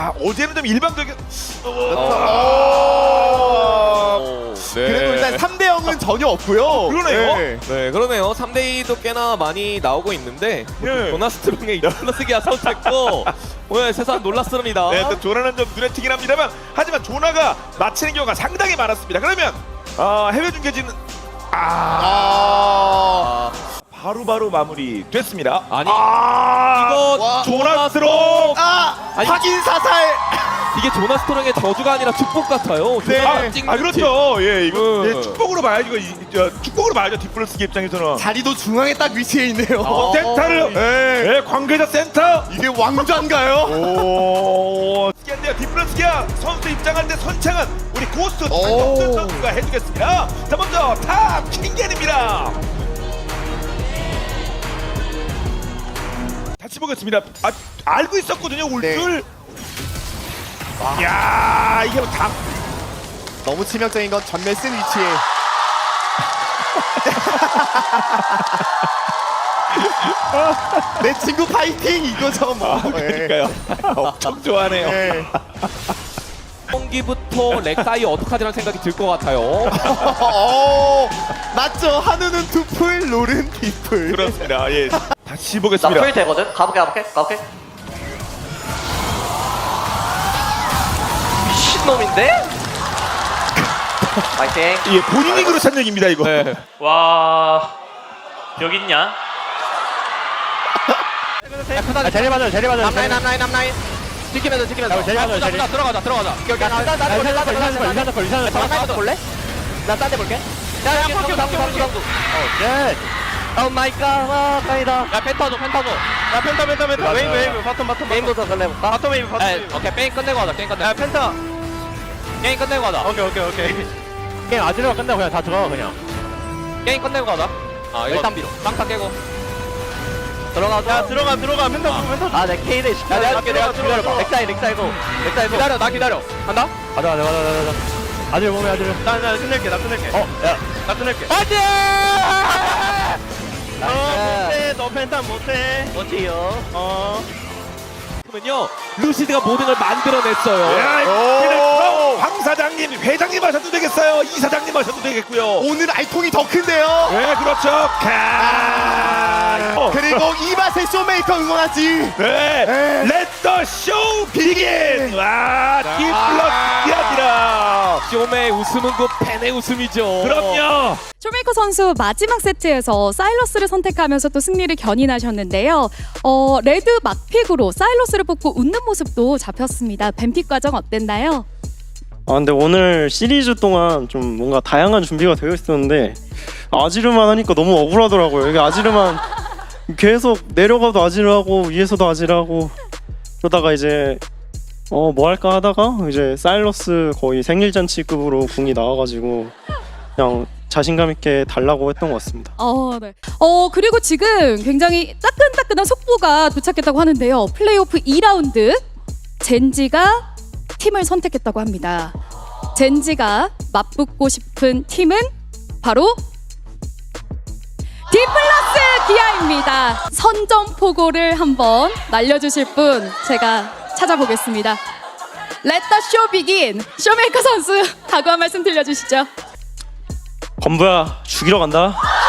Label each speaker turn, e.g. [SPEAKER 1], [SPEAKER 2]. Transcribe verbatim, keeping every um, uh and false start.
[SPEAKER 1] 아, 어제는 좀 일방적인.
[SPEAKER 2] 어... 네.
[SPEAKER 3] 그래도 일단 삼 대 영은 전혀 없고요.
[SPEAKER 1] 그러네요.
[SPEAKER 3] 네.
[SPEAKER 2] 네, 그러네요. 삼 대 이도 꽤나 많이 나오고 있는데
[SPEAKER 1] 예.
[SPEAKER 2] 조나스트롱의 플러스기아 선택도 오늘 세상 놀랐습니다.
[SPEAKER 1] 네, 또 조나는 좀 눈에 튀긴 합니다만, 하지만 조나가 맞히는 경우가 상당히 많았습니다. 그러면 어, 해외 중계진은 아,
[SPEAKER 2] 아,
[SPEAKER 1] 바로바로 마무리 됐습니다.
[SPEAKER 2] 아니,
[SPEAKER 1] 아,
[SPEAKER 2] 이거
[SPEAKER 3] 와.
[SPEAKER 1] 조나스트롱.
[SPEAKER 3] 아
[SPEAKER 2] 아니,
[SPEAKER 3] 확인 사살.
[SPEAKER 2] 이게 조나스트롱의 저주가 아니라 축복 같아요.
[SPEAKER 3] 네.
[SPEAKER 1] 아,
[SPEAKER 2] 조나가 찍는
[SPEAKER 1] 아 그렇죠. 예, 이거
[SPEAKER 2] 음.
[SPEAKER 1] 예, 축복으로 봐야죠. 이거 이- 저, 축복으로 봐야죠. 디플러스기 입장에서는.
[SPEAKER 3] 자리도 중앙에 딱 위치해 있네요.
[SPEAKER 2] 어.
[SPEAKER 1] 센터를,
[SPEAKER 3] 네.
[SPEAKER 1] 예, 관계자 센터.
[SPEAKER 3] 이게 왕좌인가요?
[SPEAKER 1] 오, 특이한데요. 디플러스기아 선수 입장하는데 선창은 우리 고스트 박정준 선수가 해주겠습니다. 자, 먼저 탑 킹겐입니다. 다시 보겠습니다. 아, 알고 있었거든요. 올
[SPEAKER 3] 네.
[SPEAKER 1] 줄. 야, 이게 다
[SPEAKER 3] 너무 치명적인 건 전멸 쓴 위치에. 내 친구 파이팅 이거죠 뭐.
[SPEAKER 1] 아, 그러니까요. 엄청 좋아하네요.
[SPEAKER 3] 네.
[SPEAKER 2] 경기부터 렉사이 어떡하지라는 생각이 들 것 같아요.
[SPEAKER 3] 어, 맞죠. 한우는 두풀, 롤은 디풀.
[SPEAKER 1] 그렇습니다. 예. 다시
[SPEAKER 4] 나
[SPEAKER 1] 보겠습니다.
[SPEAKER 4] 풀 되거든? 가볼게 가볼게 가볼게 미친놈인데? 파이팅.
[SPEAKER 1] 예, 본인이 그렇다는 얘기입니다, 이거.
[SPEAKER 2] 네.
[SPEAKER 5] 와 여기 있냐?
[SPEAKER 6] 아, 제리 맞아요, 제리 맞아요.
[SPEAKER 2] 남라인 남라인 남라인. 지키면서 지키면서.
[SPEAKER 6] 제리 맞아요, 제리.
[SPEAKER 2] 들어가자 들어가자.
[SPEAKER 6] 나 딴데 볼래, 딴데 볼래, 딴데 볼래, 딴데 볼래.
[SPEAKER 2] 도 볼래? 나 딴 데 볼게. 야, 야, 방구, 방구, 방구, 방구.
[SPEAKER 6] 네.
[SPEAKER 2] 오 마이 갓, 와, 다행이다. 야, 펜터 줘, 펜터 줘. 야, 펜터, 펜터, 펜터. 웨이브, 웨이브, 바텀, 바텀. 게임부터 설레볼까? 바텀 웨이브, 바텀 웨이브. 오케이, 게임 끝내고 하자, 게임 끝내고. 야, 펜터. 게임 끝내고 하자. 오케이, 오케이, 오케이.
[SPEAKER 6] 게임 아지르가 끝나고 그냥 다 들어가, 그냥.
[SPEAKER 2] 게임 끝내고 가자. 아, 이거
[SPEAKER 6] 일단 밀어.
[SPEAKER 2] 빵타 깨고. 들어가자. 야, 들어가, 들어가. 펜터, 펜터.
[SPEAKER 6] 아, 내 K를 시켜.
[SPEAKER 2] 내가 할게, 내가
[SPEAKER 6] 기다려봐.
[SPEAKER 2] 들어가.
[SPEAKER 6] 렉사이, 렉사이고. 렉사이고.
[SPEAKER 2] 기다려, 나 기다려. 간다?
[SPEAKER 6] 가자, 가자, 가자, 가자, 가자. 아지르 몸에 아지르.
[SPEAKER 2] 나, 나 끝낼게, 나 끝낼게.
[SPEAKER 6] 어, 야.
[SPEAKER 2] 나 끝낼게.
[SPEAKER 6] 안 돼!
[SPEAKER 2] 너 못해, 너 펜타 못해.
[SPEAKER 6] 못해요.
[SPEAKER 2] 어. 그러면요, 루시드가 모든 걸 만들어냈어요.
[SPEAKER 1] 야,
[SPEAKER 3] 오.
[SPEAKER 1] 그래서 황 사장님, 회장님 하셔도 되겠어요. 이 사장님 하셔도 되겠고요.
[SPEAKER 3] 오늘 알통이 더 큰데요.
[SPEAKER 1] 네, 그렇죠. 가. 어.
[SPEAKER 3] 그리고 이 맛의 쇼메이커 응원하지.
[SPEAKER 1] 네, 렛더 쇼 비긴. 와, 디플러스기아입니다.
[SPEAKER 2] 쇼메의 웃음은 곧 팬의 웃음이죠.
[SPEAKER 1] 그럼요.
[SPEAKER 7] 쇼메이커 선수 마지막 세트에서 사일러스를 선택하면서 또 승리를 견인하셨는데요. 어, 레드 막픽으로 사일러스를 뽑고 웃는 모습도 잡혔습니다. 뱀픽 과정 어땠나요?
[SPEAKER 8] 아 근데 오늘 시리즈 동안 좀 뭔가 다양한 준비가 되어 있었는데 아지르만 하니까 너무 억울하더라고요. 이게 아지르만 계속 내려가도 아지르하고 위에서도 아지르하고 그러다가 이제 어 뭐 할까 하다가 이제 사일러스 거의 생일잔치급으로 궁이 나와가지고 그냥 자신감 있게 달라고 했던 것 같습니다.
[SPEAKER 7] 어, 네. 어, 그리고 지금 굉장히 따끈따끈한 속보가 도착했다고 하는데요. 플레이오프 이 라운드 젠지가 팀을 선택했다고 합니다. 젠지가 맞붙고 싶은 팀은 바로 디플러스 기아입니다. 선전포고를 한번 날려주실 분 제가 찾아보겠습니다. Let the show begin. 쇼메이커 선수 각오 한 말씀 들려주시죠.
[SPEAKER 8] 건부야 죽이러 간다.